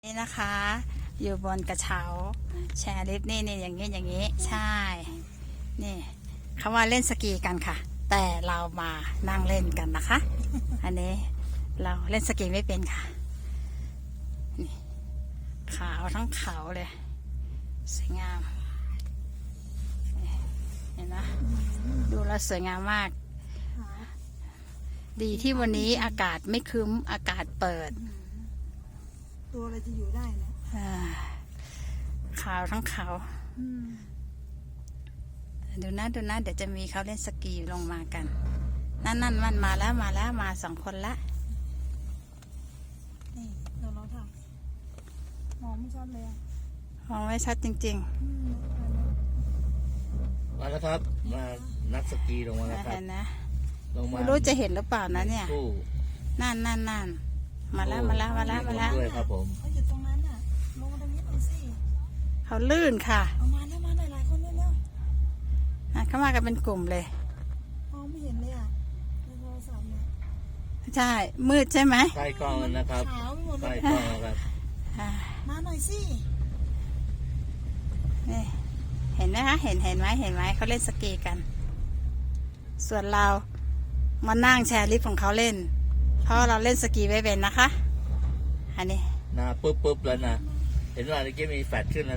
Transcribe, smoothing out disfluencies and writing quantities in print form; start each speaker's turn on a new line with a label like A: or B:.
A: นี่นะคะอยู่บนกระเช้าแชร์ลิฟต์นี่อย่างนี้ใช่นี่เขาว่าเล่นสกีกันค่ะแต่เรามานั่งเล่นกันนะคะอันนี้เราเล่นสกีไม่เป็นค่ะนี่ขาวทั้งเขาเลยสวยงามเห็นไหมดูแล้วสวยงามมากดีที่วันนี้อากาศไม่ครึ้มอากาศเปิด
B: ตัวอะไรจะอยู่ได้นะ
A: ขาวทั้งเขาดูนะเดี๋ยวจะมีเขาเล่นสกีลงมากันนั่นมันมาแล้วมาสองคนละ
B: นี่เราถ่ายมองไม่ชัดเลยอ่ะ
A: มองไม่ชัดจริง
C: ๆมาแล้วครับมานักสกีลงมาแล้วครับ
A: นะ
C: ลงมา
A: ไม่รู้จะเห็นหรือเปล่านะเนี่ยนั่นมาแล้ว
C: ด้วยครับผม
B: เขาอยู่ตรงนั้นอ่ะลงมาตรงนี้หน่อยสิ
A: เขาลื่นค่ะ
B: เอามาหลายคนเร็ว
A: เขามากันเป็นกลุ่มเลย
B: มองไม่เห็นเลยอ่ะในโทรศัพท์เนี่ย
A: ใช่มืดใช่ไหม
C: ใต้กล้องนะครับ
B: ขาวไปหมดเล
C: ใต้
B: ย
C: กล้องครับ
B: มาหน่อยสิ
A: นี่เห็นไหมคะเห็นไหมเขาเล่นสกีกันส่วนเรามานั่งแชร์ลิฟต์ของเขาเล่นเพราะเราเล่นสกีไม่เป็นนะคะอันนี้
C: นะปุ๊บแล้วนะเห็นว่าเมื่อกี้มีแฟลชขึ้นแล้ว